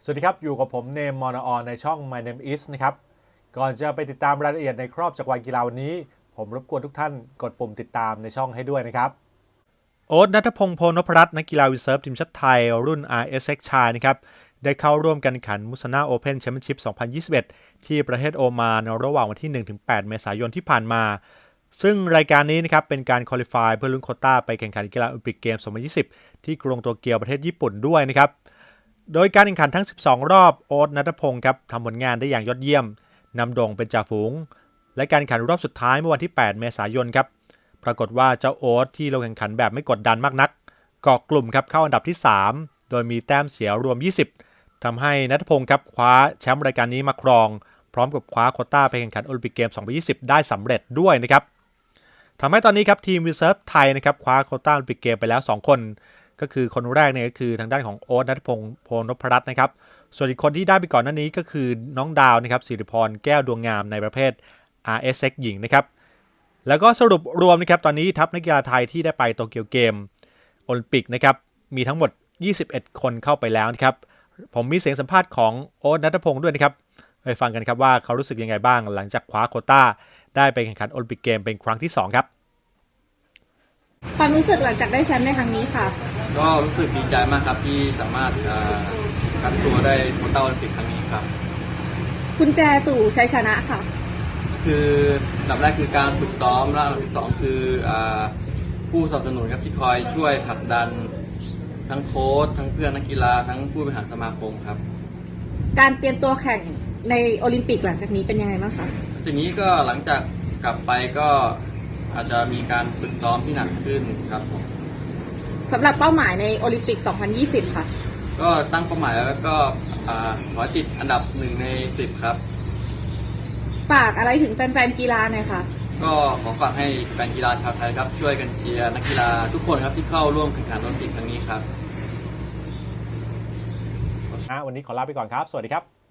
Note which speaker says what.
Speaker 1: สวัสดีครับอยู่กับผมเนมมอนออนในช่อง My Name Is นะครับก่อนจะไปติดตามรายละเอียดในครอบจักรวาลกีฬาวันนี้ผมรบกวนทุกท่านกดปุ่มติดตามในช่องให้ด้วยนะครับโอ๊ต ณัฐพงษ์ โพนพรัตน์นักกีฬาวิเซิร์ฟทีมชาติไทยรุ่น RSX ชายนะครับได้เข้าร่วมการแข่งขันมุสนาโอเพ่นแชมเปี้ยนชิพ 2021 ที่ประเทศโอมานระหว่างวันที่ 1-8 เมษายนที่ผ่านมาซึ่งรายการนี้นะครับเป็นการควอลิฟายเพื่อลุ้นโควต้าไปแข่งขันกีฬาโอลิมปิกเกม 2020 ที่กรุงโตเกียวประเทศญี่ปุ่นด้วยนะครับโดยการแข่งขันทั้ง 12 รอบโอ๊ต ณัฐพงษ์ครับทำผลงานได้อย่างยอดเยี่ยมนำโด่งเป็นจ่าฝูงและการแข่งขันรอบสุดท้ายเมื่อวันที่ 8 เมษายนครับปรากฏว่าเจ้าโอ๊ตที่ลงแข่งขันแบบไม่กดดันมากนักเกาะกลุ่มครับเข้าอันดับที่ 3 โดยมีแต้มเสียรวม 20ทำให้ณัฐพงษ์ครับคว้าแชมป์รายการนี้มาครองพร้อมกับคว้าโควต้าไปแข่งขันโอลิมปิกเกม 2020 ได้สำเร็จด้วยนะครับทำให้ตอนนี้ครับทีมวิเซิร์ฟไทยนะครับคว้าโควต้าโอลิมปิกเกมไปแล้ว2คนก็คือคนแรกเนี่ยก็คือทางด้านของโอ๊ต ณัฐพงษ์ โพนพรัตน์นะครับส่วนอีกคนที่ได้ไปก่อนหน้านี้ก็คือน้องดาวนะครับสิริพรแก้วดวงงามในประเภท RSX หญิงนะครับแล้วก็สรุปรวมนะครับตอนนี้ทัพนักกีฬาไทยที่ได้ไปโตเกียวเกมโอลิมปิกนะครับมีทั้งหมด21คนเข้าไปแล้วนะครับผมมีเสียงสัมภาษณ์ของโอ๊ต ณัฐพงษ์ด้วยนะครับไปฟังกันครับว่าเขารู้สึกยังไงบ้างหลังจากคว้าโควต้าได้ไปแข่งขันโอลิมปิกเกมเป็นครั้งที่2ครับ
Speaker 2: ความรู้สึกหลังจากได้แชมป์ในครั้งนี้ค่ะ
Speaker 3: ก็รู้สึกดีใจมากครับที่สามารถคัดตัวได้โควต้าโอลิมปิกครั้งนี้ครับ
Speaker 2: กุญแจสู่ชัยชนะค่ะ
Speaker 3: คืออันดับแรกคือการฝึกซ้อมและอันดับที่สองคือผู้สนับสนุนครับที่คอยช่วยผลักดันทั้งโค้ชทั้งเพื่อนนักกีฬาทั้งผู้บริหารสมาคมครับ
Speaker 2: การเตรียมตัวแข่งในโอลิมปิกหลังจากนี้เป็นยังไงบ้างคะ
Speaker 3: จากนี้ก็หลังจากกลับไปก็อาจจะมีการฝึกซ้อมที่หนักขึ้นครับผม
Speaker 2: สำหรับเป้าหมายในโอลิมปิก 2020 ค่ะ
Speaker 3: ก็ตั้งเป้าหมายแล้วก็ขอติดอันดับ1 ใน 10ครับ
Speaker 2: ฝากอะไรถึงแฟนๆกีฬาหน่อยค่ะ
Speaker 3: ก็ขอฝากให้แฟนกีฬาชาวไทยครับช่วยกันเชียร์นักกีฬาทุกคนครับที่เข้าร่วมแข่งขันโอลิมปิกครั้งนี้ครับ
Speaker 1: วันนี้ขอลาไปก่อนครับสวัสดีครับ